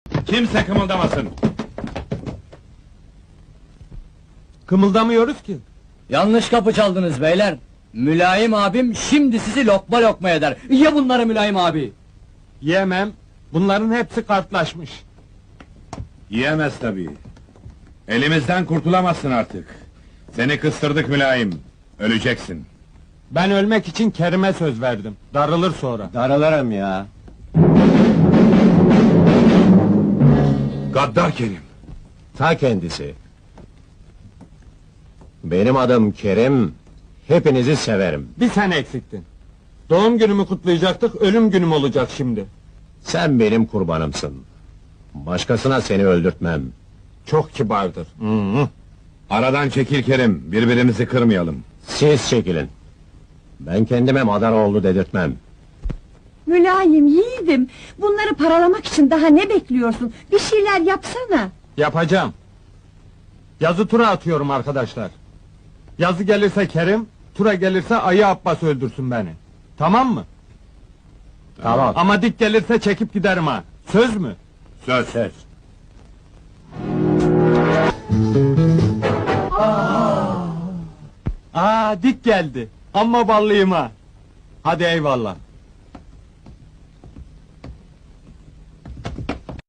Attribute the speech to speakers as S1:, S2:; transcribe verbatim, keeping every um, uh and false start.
S1: Kimse kımıldamasın!
S2: Kımıldamıyoruz ki.
S3: Yanlış kapı çaldınız beyler. Mülayim abim şimdi sizi lokma lokma eder. Ye bunları Mülayim abi.
S2: Yemem. Bunların hepsi kartlaşmış.
S1: Yiyemez tabii. Elimizden kurtulamazsın artık. Seni kıstırdık mülayim. Öleceksin.
S2: Ben ölmek için Kerim'e söz verdim. Darılır sonra.
S4: Daralarım ya.
S1: Gaddar Kerim!
S4: Ta kendisi. Benim adım Kerim, hepinizi severim.
S2: Bir sen eksiktin. Doğum günümü kutlayacaktık, ölüm günüm olacak şimdi.
S4: Sen benim kurbanımsın. Başkasına seni öldürtmem.
S2: Çok kibardır.
S4: Hı hı.
S1: Aradan çekil Kerim, birbirimizi kırmayalım.
S4: Siz çekilin. Ben kendime Madaroğlu dedirtmem.
S5: Mülayim, yiğidim! Bunları paralamak için daha ne bekliyorsun? Bir şeyler yapsana!
S2: Yapacağım. Yazı tura atıyorum arkadaşlar. Yazı gelirse Kerim, tura gelirse Ayı Abbas öldürsün beni. Tamam mı?
S4: Tamam.
S2: Ama dik gelirse çekip giderim ha. Söz mü?
S1: Söz!
S4: Söz.
S2: Aa, dik geldi. Amma ballıyım ha. Hadi eyvallah.